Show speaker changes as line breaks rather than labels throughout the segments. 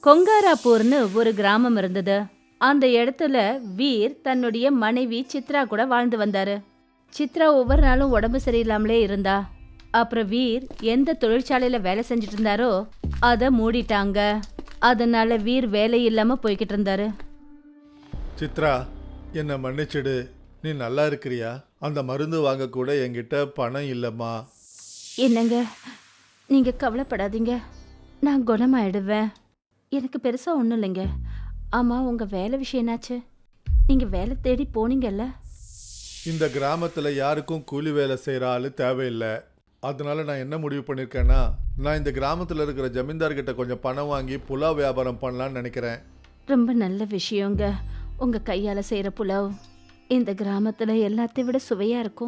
கொங்காராப்பூர்னு ஒரு கிராமம் இருந்தது. அந்த இடத்துல வீர் தன்னுடைய மனைவி சித்ரா கூட வாழ்ந்து வந்தாரு. சித்ரா ஒவ்வொரு நாளும் உடம்பு சரியில்லாமலே இருந்தா. அப்புறம் வீர் எந்த தொழிற்சாலையில வேலை செஞ்சுட்டு இருந்தாரோ அதை மூடிட்டாங்க. அதனால வீர் வேலை இல்லாம போய்கிட்டு இருந்தாரு.
சித்ரா, என்னை மன்னிச்சிடு. நீ நல்லா இருக்கிறியா? அந்த மருந்து வாங்க கூட என்கிட்ட பணம் இல்லைம்மா.
என்னங்க, நீங்க கவலைப்படாதீங்க, நான் குணமாயிடுவேன். எனக்கு பெருசா ஒன்றும் இல்லைங்க. ஆமா, உங்க வேலை விஷயம் என்னாச்சு? நீங்க வேலை தேடி போனீங்கல்ல?
இந்த கிராமத்தில் யாருக்கும் கூலி வேலை செய்கிற ஆள் தேவையில்லை. அதனால நான் என்ன முடிவு பண்ணியிருக்கேன்னா, நான் இந்த கிராமத்தில் இருக்கிற ஜமீன்தார்கிட்ட கொஞ்சம் பணம் வாங்கி புலாவ் வியாபாரம் பண்ணலான்னு நினைக்கிறேன்.
ரொம்ப நல்ல விஷயங்க. உங்க கையால செய்யற புலாவ் இந்த கிராமத்துல எல்லாத்தையும் விட சுவையா இருக்கும்.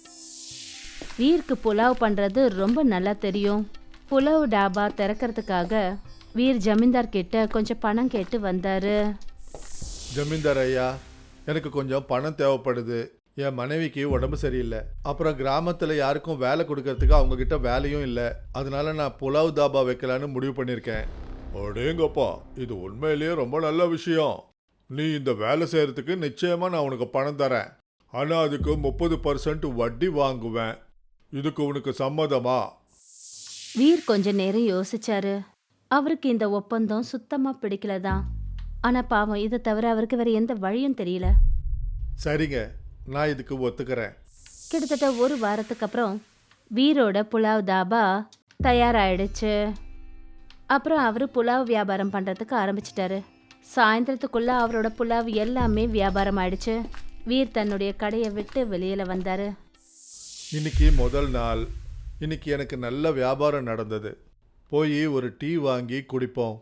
வீருக்கு புலாவ் பண்றது ரொம்ப நல்லா தெரியும். புலாவ் டாபா திறக்கிறதுக்காக வீர் ஜமீன்தார் கிட்ட கொஞ்சம் பணம் கேட்டு வந்தாரு.
ஜமீன்தார் ஐயா, எனக்கு கொஞ்சம் பணம் தேவைப்படுது. என் மனைவிக்கு உடம்பு சரியில்லை. அப்புறம் கிராமத்தில் யாருக்கும் வேலை கொடுக்கறதுக்கு அவங்கக்கிட்ட வேலையும் இல்லை. அதனால நான் புலாவ் தாபா வைக்கலான்னு முடிவு பண்ணியிருக்கேன். அடேங்கப்பா, இது உண்மையிலேயே ரொம்ப நல்ல விஷயம். நீ இந்த வேலை செய்கிறதுக்கு நிச்சயமாக நான் உனக்கு பணம் தரேன். ஆனால் அதுக்கு 30% வட்டி வாங்குவேன். இதுக்கு உனக்கு சம்மதமா?
வீர் கொஞ்ச நேரம் யோசிச்சாரு. அவருக்கு இந்த ஒப்பந்தம் சுத்தமா பிடிக்கலதான். ஆனா பாவம், இதை தவிர அவருக்கு வேற எந்த வழியும் தெரியல.
சரிங்க, நான் இதுக்கு ஒத்துக்கிறேன்.
கிட்டத்தட்ட ஒரு வாரத்துக்கு அப்புறம் வீரோட புலாவ் தாபா தயாராயிடுச்சு. அப்புறம் அவரு புலாவ் வியாபாரம் பண்றதுக்கு ஆரம்பிச்சிட்டாரு. சாயந்தரத்துக்குள்ள அவரோட புலாவ் எல்லாமே வியாபாரம் ஆயிடுச்சு. வீர் தன்னுடைய கடையை விட்டு வெளியில வந்தாரு.
இன்னைக்கு முதல் நாள். இன்னைக்கு எனக்கு நல்ல வியாபாரம் நடந்தது. போய் ஒரு டீ வாங்கி குடிப்போம்.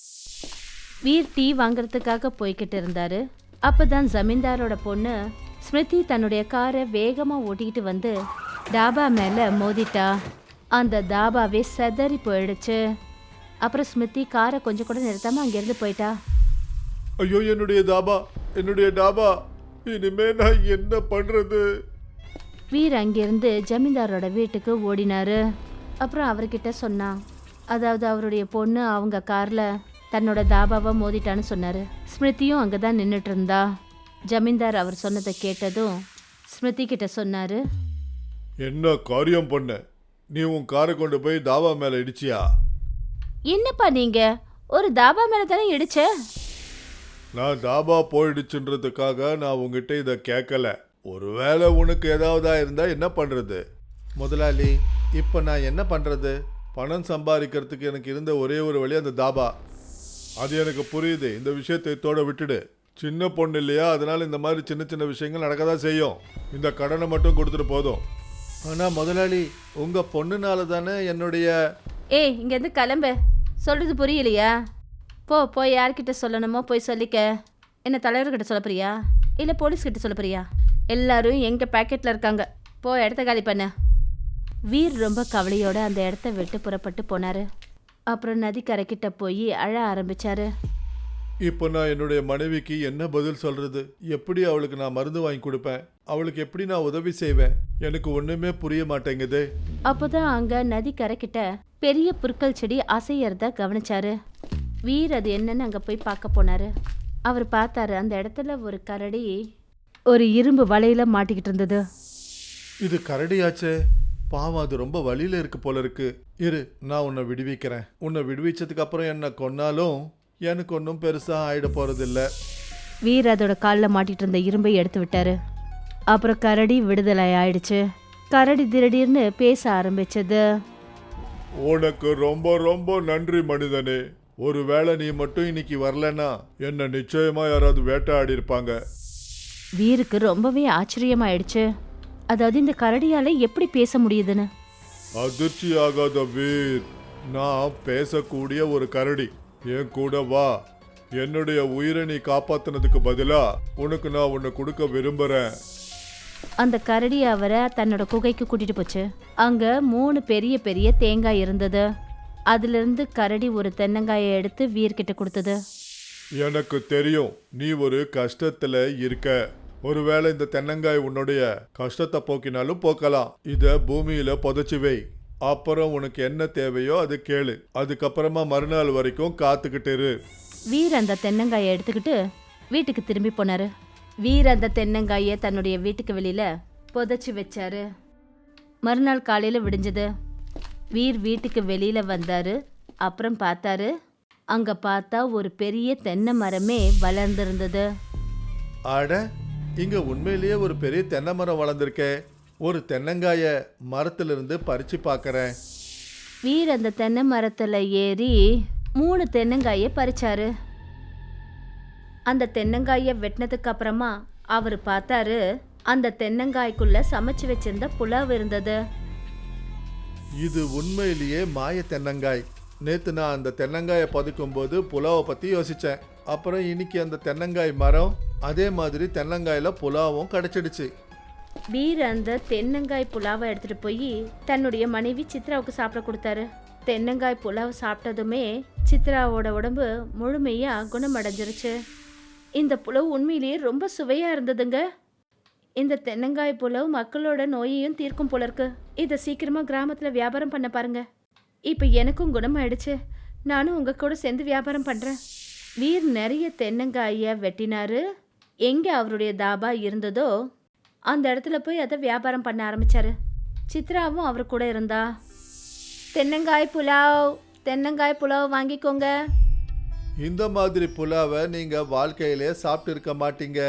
வீர் டீ வாங்குறதுக்காக போய்கிட்டு இருந்தாரு. அப்பதான் ஜமீன்தாரோட பொண்ணு ஸ்மிருதி தன்னுடைய காரை வேகமா ஓட்டிக்கிட்டு வந்து டாபா மேல மோதிட்டா. அந்த தாபாவே செதறி போயிடுச்சு. அப்புறம் ஸ்மிருதி காரை கொஞ்சம் கூட நிறுத்தாம அங்கிருந்து போயிட்டா.
ஐயோ, என்னுடைய தாபா, என்னுடைய டாபா, இனிமே நான் என்ன பண்றது?
வீர் அங்கிருந்து ஜமீன்தாரோட வீட்டுக்கு ஓடினாரு. அப்புறம் அவர்கிட்ட சொன்னான். அதாவது அவருடைய பொண்ணு அவங்க கார்ல தன்னோட தாபாவை மோதிட்டான்னு சொன்னாரு. ஸ்மிருதியும் அங்கதான் நின்றுட்டு இருந்தா. ஜமீன்தார் அவர் சொன்னதை கேட்டதும் ஸ்மிருதி கிட்ட சொன்னாரு.
என்ன காரியம் பண்ண? நீ உன் காரை கொண்டு போய் தாபா மேல இடிச்சியா?
என்னப்பா நீங்க ஒரு தாபா மேல தானே இடிச்ச?
நான் தாபா போயிடுச்சுன்றதுக்காக நான் உங்ககிட்ட இதை கேட்கல. ஒருவேளை உனக்கு ஏதாவதா இருந்தா என்ன பண்றது? முதலாளி, இப்போ நான் என்ன பண்றது? பணம் சம்பாதிக்கிறதுக்கு எனக்கு இருந்த ஒரே ஒரு வழி அந்த தாபா. அது எனக்கு புரியுது. இந்த விஷயத்தை இதோட விட்டுடு. சின்ன பொண்ணு இல்லையா, அதனால இந்த மாதிரி சின்ன சின்ன விஷயங்கள் நடக்கதான் செய்யும். இந்த கடனை மட்டும் கொடுத்துட்டு போதும். ஆனால் முதலாளி, உங்க பொண்ணுனால தானே என்னுடைய...
ஏய், இங்கேருந்து கிளம்பு. சொல்றது புரியலையா? போய் யார்கிட்ட சொல்லணுமோ போய் சொல்லிக்க. என்ன தலைவர்கிட்ட சொல்ல போறியா இல்லை போலீஸ்கிட்ட சொல்ல போறியா? எல்லாரும் எங்க பேக்கெட்ல இருக்காங்க. இடத்த காலி பண்ண. வீர் ரொம்ப கவலையோட அந்த இடத்த விட்டு புறப்பட்டு போனாரு. அப்புறம் நதிக்கரைக்கிட்ட போய் அழ ஆரம்பிச்சாரு.
இப்போ நான் என்னுடைய மனைவிக்கு என்ன பதில் சொல்றது? எப்படி அவளுக்கு நான் மருந்து வாங்கி கொடுப்பேன்? அவளுக்கு எப்படி நான் உதவி செய்வேன்? எனக்கு ஒண்ணுமே புரிய மாட்டேங்குது.
அப்போதான் அங்க நதிக்கரைக்கிட்ட பெரிய புற்கள் செடி அசையறத கவனிச்சாரு. வீர் அது என்னன்னு அங்க போய் பார்க்க போனாரு. அவர் பார்த்தாரு, அந்த இடத்துல ஒரு கரடி ஒரு இரும்பு வலையில மாட்டிக்கிட்டு இருந்தது.
இது கரடியாச்சே, பாவம், அது ரொம்ப வழியில இருக்கு போல இருக்கு. இரு, நான் உன்னை விடுவிக்கிறேன். உன்னை விடுவிச்சதுக்கு அப்புறம் என்ன கொன்னாலும் எனக்கு ஒன்றும் பெருசா ஆயிட போறதில்ல.
வீர் அதோட காலில் மாட்டிட்டு இருந்த இரும்பை எடுத்து விட்டாரு. அப்புறம் கரடி விடுதலை ஆயிடுச்சு. கரடி திடீர்னு பேச ஆரம்பிச்சது.
உனக்கு ரொம்ப ரொம்ப நன்றி மனிதனே. ஒருவேளை நீ மட்டும் இன்னைக்கு வரலன்னா என்ன நிச்சயமா யாராவது வேட்டையாடி இருப்பாங்க.
வீருக்கு ரொம்பவே ஆச்சரியமாயிடுச்சு. அதாவது இந்த கரடியால எப்படி பேச முடியுதுன்னு.
அதிர்ச்சி ஆகாத வீர், நான் பேசக்கூடிய ஒரு கரடி. என் கூட வா. என்னுடைய உயிரை நீ காப்பாத்தினதுக்கு பதிலா உனக்கு நான் உன்னை கொடுக்க விரும்புறேன்.
அந்த கரடி அவரை தன்னோட குகைக்கு கூட்டிட்டு போச்சு. அங்க 3 பெரிய பெரிய தேங்காய் இருந்தது. அதுல இருந்து கரடி ஒரு தென்னங்காயை எடுத்து வீர்கிட்ட கொடுத்தது.
எனக்கு தெரியும் நீ ஒரு கஷ்டத்துல இருக்க. ஒருவேளை இந்த தென்னங்காய் உன்னுடைய கஷ்டத்தை போக்கினாலும் போக்கலாம். இத பூமியில புதைச்சு வை. அப்புறம் உனக்கு என்ன தேவையோ அது கேளு. அதுக்கப்புறமா மறுநாள் வரைக்கும் காத்துக்கிட்டு இரு.
வீர் அந்த தென்னங்காயை எடுத்துக்கிட்டு வீட்டுக்கு திரும்பி போனாரு. வீர் அந்த தென்னங்காயை தன்னுடைய வீட்டுக்கு வெளியில புதைச்சி வச்சாரு. மறுநாள் காலையில விடிஞ்சது. வீர் வீட்டுக்கு வெளியில வந்தாரு. அப்புறம் பார்த்தாரு, அங்க பார்த்தா ஒரு பெரிய தென்னை மரமே வளர்ந்திருந்தது.
அட, இங்க உண்மையிலேயே ஒரு பெரிய தென்னை மரம் வளர்ந்துருக்கே. ஒரு தென்னங்காய மரத்திலிருந்து பறிச்சு பார்க்கறேன்.
வீர் அந்த தென்னை மரத்துல ஏறி 3 தென்னங்காயை பறிச்சாரு. அந்த தென்னங்காயை வெட்டினதுக்கு அப்புறமா அவர் பார்த்தாரு, அந்த தென்னங்காய்க்குள்ள சமைச்சு வச்சிருந்த புலாவ் இருந்தது.
இது உண்மையிலேயே மாய தென்னங்காய். நேத்து நான் அந்த தென்னங்காயை பதுக்கும் போது புலாவை பத்தி யோசிச்சேன். அப்புறம் இன்னைக்கு அந்த தென்னங்காய் மரம், அதே மாதிரி தென்னங்காயில புலாவும் கிடைச்சிடுச்சு.
வீர் அந்த தென்னங்காய் புலாவை எடுத்துட்டு போய் தன்னுடைய மனைவி சித்ராவுக்கு சாப்பிட கொடுத்தாரு. தென்னங்காய் புலாவ் சாப்பிட்டதுமே சித்ராவோட உடம்பு முழுமையா குணமடைஞ்சிருச்சு. இந்த புலாவ் உண்மையிலேயே ரொம்ப சுவையா இருந்ததுங்க. இந்த தென்னங்காய் புலாவ் மக்களோட நோயையும் தீர்க்கும் போல இருக்கு. இதை சீக்கிரமா கிராமத்துல வியாபாரம் பண்ண பாருங்க. இப்போ எனக்கும் குணமாயிடுச்சு. நானும் உங்க கூட சேர்ந்து வியாபாரம் பண்றேன். வீர் நிறைய தென்னங்காயை வெட்டினாரு. எங்க அவருடைய தாபா இருந்ததோ அந்த இடத்துல போய் அதை வியாபாரம் பண்ண ஆரம்பிச்சாரு. சித்ராவும் அவர் கூட இருந்தா. தென்னங்காய் புலாவ் வாங்கிக்கோங்க.
இந்த மாதிரி புலாவை நீங்க வாழ்க்கையிலே சாப்பிட்டு இருக்க மாட்டீங்க.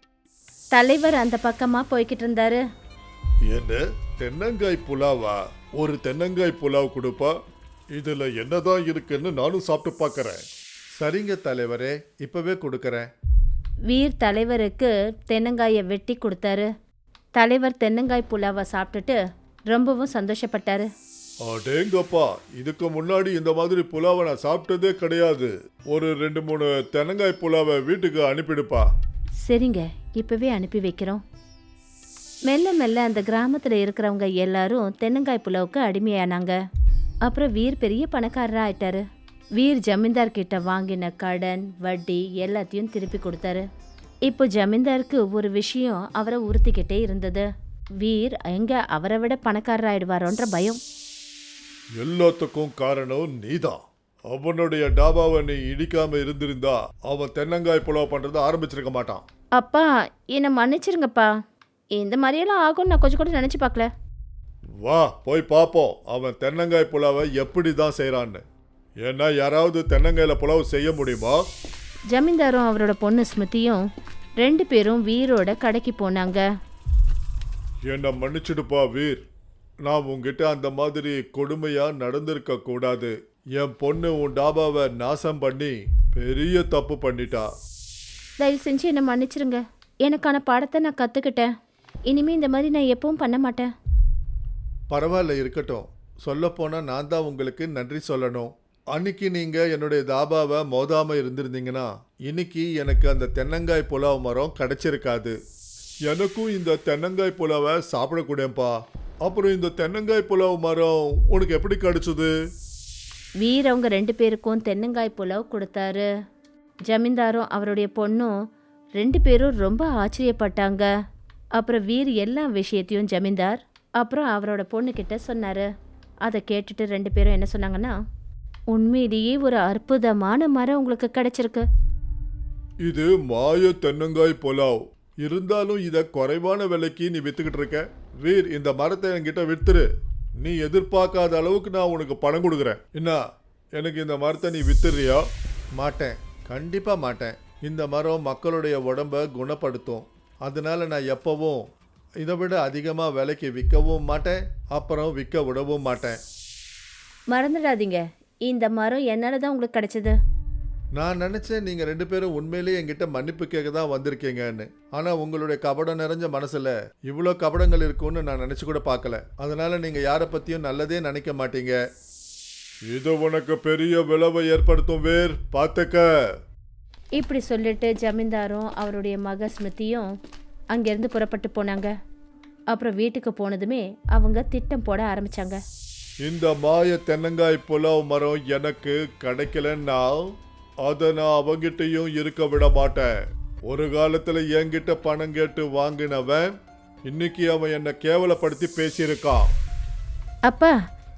தலைவர் அந்த பக்கமா போய்கிட்டு இருந்தாரு.
என்ன தென்னங்காய் புலாவா? ஒரு தென்னங்காய் புலாவ் கொடுப்பா? இதுல என்னதான் இருக்குன்னு நானும் சாப்பிட்டு பார்க்கறேன். சரிங்க தலைவரே, இப்பவே கொடுக்கறேன்.
வீர் தலைவருக்கு தென்னங்காயை வெட்டி கொடுத்தாரு. தலைவர் தென்னங்காய் புலாவை சாப்பிட்டுட்டு ரொம்பவும் சந்தோஷப்பட்டாரு.
அடேங்கப்பா, இதுக்கு முன்னாடி இந்த மாதிரி புலாவை நான் சாப்பிட்டதே கிடையாது. ஒரு 2-3 தென்னங்காய் புலாவை வீட்டுக்கு அனுப்பிடுப்பா.
சரிங்க, இப்பவே அனுப்பி வைக்கிறோம். மெல்ல மெல்ல அந்த கிராமத்தில் இருக்கிறவங்க எல்லாரும் தென்னங்காய் புலாவுக்கு அடிமையானாங்க. அப்புறம் வீர் பெரிய பணக்காரராக ஆயிட்டாரு. வீர் ஜமீன்தார் கிட்ட வாங்கின கடன் வட்டி எல்லாத்தையும் திருப்பி கொடுத்தாரு. இப்போ ஜமீன்தாருக்கு ஒரு விஷயம் அவரை உறுத்திக்கிட்டே இருந்தது. வீர் எங்க அவரை விட பணக்காரராயிடுவாரோன்ற பயம்.
எல்லாத்துக்கும் காரணம் நீதான். அவனுடைய டாபாவை நீ இடிக்காம இருந்திருந்தா அவன் தென்னங்காய் புலாவ் பண்றதை ஆரம்பிச்சிருக்க மாட்டான்.
அப்பா, என்னை மன்னிச்சிருங்கப்பா. இந்த மாதிரியெல்லாம் ஆகும்னு நான் கொஞ்சம் கூட நினச்சி பார்க்கல.
வா போய் பார்ப்போம் அவன் தென்னங்காய் புலாவை எப்படி தான் செய்கிறான்னு. ஏன்னா யாராவது தென்னங்காயில புலாவ் செய்ய முடியுமா?
ஜமீன்தாரும் அவரோட பொண்ணு ஸ்மிருதியும் 2 பேரும் வீரோட கடைக்கு போனாங்க.
என்னை மன்னிச்சிடுப்பா வீர், நான் உங்ககிட்ட அந்த மாதிரி கொடுமையா நடந்திருக்க கூடாது. என் பொண்ணு உன் டாபாவை நாசம் பண்ணி பெரிய தப்பு பண்ணிட்டா.
தயவு செஞ்சு என்னை மன்னிச்சிருங்க. எனக்கான பாடத்தை நான் கற்றுக்கிட்டேன். இனிமேல் இந்த மாதிரி நான் எப்பவும் பண்ண மாட்டேன்.
பரவாயில்ல, இருக்கட்டும். சொல்லப்போனால் நான் தான் உங்களுக்கு நன்றி சொல்லணும். அன்னைக்கு நீங்கள் என்னுடைய தாபாவை மோதாமல் இருந்திருந்தீங்கன்னா இன்னைக்கு எனக்கு அந்த தென்னங்காய் புலாவ் மரம் கிடைச்சிருக்காது. எனக்கும் இந்த தென்னங்காய் புலாவை சாப்பிடக்கூடேன்ப்பா. அப்புறம் இந்த தென்னங்காய் புலாவ் மரம் உனக்கு எப்படி கிடைச்சது?
வீர் அவங்க 2 பேருக்கும் தென்னங்காய் புலாவ் கொடுத்தாரு. ஜமீன்தாரும் அவருடைய பொண்ணும் 2 பேரும் ரொம்ப ஆச்சரியப்பட்டாங்க. அப்புறம் வீர் எல்லா விஷயத்தையும் ஜமீன்தார் அப்புறம் அவரோட பொண்ணுக்கிட்ட சொன்னார். அதை கேட்டுட்டு 2 பேரும் என்ன சொன்னாங்கன்னா, உண்மையிலேயே ஒரு அற்புதமான மரம் உங்களுக்கு கிடைச்சிருக்கு.
இது மாய தென்னங்காய் புலாவ். இருந்தாலும் இதை குறைவான விலைக்கு நீ வித்துக்கிட்டு இருக்க. வீர், இந்த மரத்தை என்கிட்ட வித்துரு. நீ எதிர்பார்க்காத அளவுக்கு நான் உனக்கு பணம் கொடுக்குறேன். என்ன, எனக்கு இந்த மரத்தை நீ வித்துறியா? மாட்டேன், கண்டிப்பாக மாட்டேன். இந்த மரம் மக்களுடைய உடம்பை குணப்படுத்தும். அதனால நான் எப்பவும் இதை விட அதிகமாக விலைக்கு விற்கவும் மாட்டேன், அப்புறம் விற்க விடவும் மாட்டேன்.
மறந்துடாதீங்க, இந்த மரம் என்னால் தான் உங்களுக்கு கிடைச்சது.
நான் நினச்சேன் நீங்கள் 2 பேரும் உண்மையிலேயே என்கிட்ட மன்னிப்பு கேட்க தான் வந்திருக்கீங்கன்னு. ஆனால் உங்களுடைய கபடம் நிறைஞ்ச மனசில் இவ்வளோ கபடங்கள் இருக்குன்னு நான் நினச்சி கூட பார்க்கல. அதனால் நீங்கள் யாரை பற்றியும் நல்லதே நினைக்க மாட்டீங்க. இது உனக்கு பெரிய விளைவை ஏற்படுத்தும் வீர், பார்த்துக்க.
இப்படி சொல்லிட்டு ஜமீன்தாரும் அவருடைய மக ஸ்மிருதியும் அங்கேருந்து புறப்பட்டு போனாங்க. அப்புறம் வீட்டுக்கு போனதுமே அவங்க திட்டம் போட ஆரம்பிச்சாங்க.
இந்த மாய தென்னங்காய் புலாவ் மரம் எனக்கு கிடைக்கலன்னா அதை நான் அவங்கிட்டையும் இருக்க விட மாட்டேன். ஒரு காலத்தில் என்கிட்ட பணம் கேட்டு வாங்கினவன் இன்னைக்கு அவன் என்னை கேவலப்படுத்தி பேசியிருக்கான்.
அப்பா,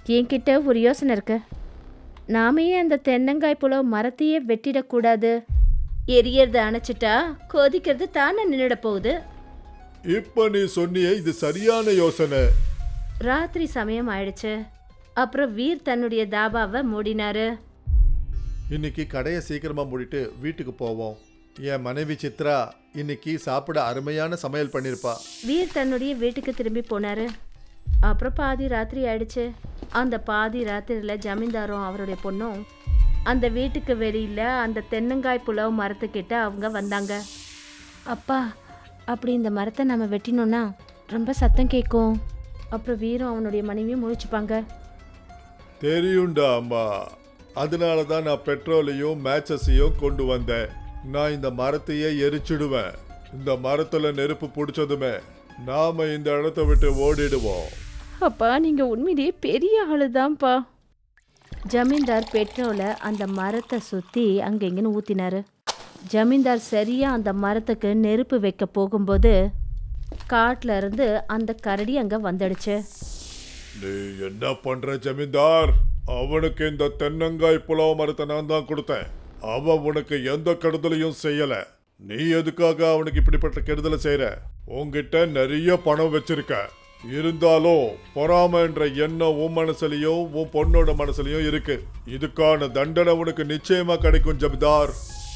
என்கிட்ட ஒரு யோசனை இருக்கு. நாம ஏன் அந்த தென்னங்காய் புலவு மரத்தையே வெட்டிடக்கூடாது? எரியறத அணைச்சிட்டா கொதிக்கிறது தானே நின்றுட போகுது.
இப்ப நீ சொன்னியே இது சரியான யோசனை.
ராத்திரி சமயம் ஆயிடுச்சு. அப்புறம் வீர் தன்னுடைய தாபாவை மூடினாரு.
இன்னைக்கு கடையை சீக்கிரமா மூடிட்டு வீட்டுக்கு போவோம். என் மனைவி சித்ரா இன்னைக்கு சாப்பிட அருமையான சமையல் பண்ணிருப்பா.
வீர் தன்னுடைய வீட்டுக்கு திரும்பி போனாரு. அப்புறம் பாதி ராத்திரி ஆயிடுச்சு. அந்த பாதி ராத்திரியில் ஜமீன்தாரும் அவருடைய பொண்ணும் அந்த வீட்டுக்கு வெளியில அந்த தென்னங்காய் புலவு மரத்துக்கிட்ட அவங்க வந்தாங்க. அப்பா, அப்படி இந்த மரத்தை நம்ம வெட்டினோன்னா ரொம்ப சத்தம் கேட்கும். அப்புறம் வீரும் அவனுடைய மனைவியும் முழிச்சுப்பாங்க.
தெரியும்டா அம்மா, அதனால தான் நான் பெட்ரோலையும் மேட்சஸையும் கொண்டு வந்தேன். நான் இந்த மரத்தையே எரிச்சிடுவேன். இந்த மரத்துல நெருப்பு பிடிச்சதுமே நாம இந்த இடத்த விட்டு ஓடிடுவோம்.
அப்பா, நீங்க உண்மையிலேயே பெரிய ஆளுதான்ப்பா. ஜமீன்தார் பெட்ரோலை அந்த மரத்தை சுற்றி அங்கெங்கன்னு ஊற்றினாரு. ஜமீன்தார் சரியா அந்த மரத்துக்கு நெருப்பு வைக்க போகும்போது காட்டுல இருந்து அந்த கரடி அங்கே வந்துடுச்சு.
நீ என்ன பண்ற ஜமீன்தார்? அவனுக்கு இந்த தென்னங்காய் புலாவ மரத்தை நான் தான் கொடுத்தேன். அவன் உனக்கு எந்த கெடுதலையும் செய்யல. நீ எதுக்காக அவனுக்கு இப்படிப்பட்ட கெடுதலை செய்யற? உன்கிட்ட நிறைய பணம் வச்சிருக்க. இருந்தாலும் பொறாம என்ற எண்ணம் உன் மனசுலயும் உன் பொண்ணோட மனசுலயும் இருக்கு. இதுக்கான தண்டனை உனக்கு நிச்சயமா கிடைக்கும் ஜமீன்தார்.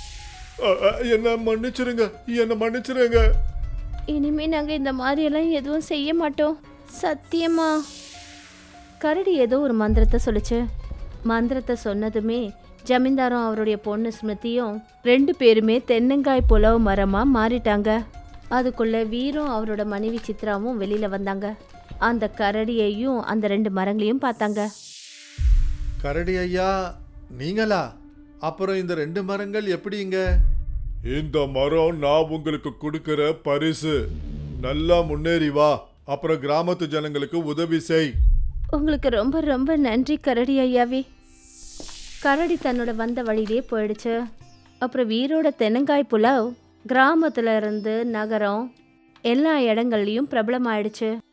என்ன மன்னிச்சிருங்க, என்ன மன்னிச்சிருங்க.
இனிமே நாங்க இந்த மாதிரி எல்லாம் எதுவும் செய்ய மாட்டோம், சத்தியமா. கரடி ஏதோ ஒரு மந்திரத்தை சொல்லுச்சு. மந்திரத்தை சொன்னதுமே ஜமீன்தாரும் அவருடைய பொண்ணு ஸ்மிருதியும் 2 பேருமே தென்னங்காய் புலவு மரமா மாறிட்டாங்க. அதுக்குள்ள வீரும் அவரோட மனைவி சித்ராவும் வெளியில வந்தாங்க. அந்த கரடியையும் அந்த 2 மரங்களையும் பார்த்தாங்க.
கரடி ஐயா, நீங்களா? அப்புறம் இந்த 2 மரங்கள் எப்படிங்க? இந்த மரம் நான் உங்களுக்கு கொடுக்கிற பரிசு. நல்லா முன்னேறி வா, அப்புறம் கிராமத்து ஜனங்களுக்கு உதவி செய்.
உங்களுக்கு ரொம்ப ரொம்ப நன்றி கரடி ஐயாவே. கரடி தன்னோட வந்த வழியிலே போயிடுச்சு. அப்புறம் வீரோட தென்னங்காய் புலாவ் கிராமத்துல இருந்து நகரம் எல்லா இடங்கள்லையும் பிரபலமாயிடுச்சு.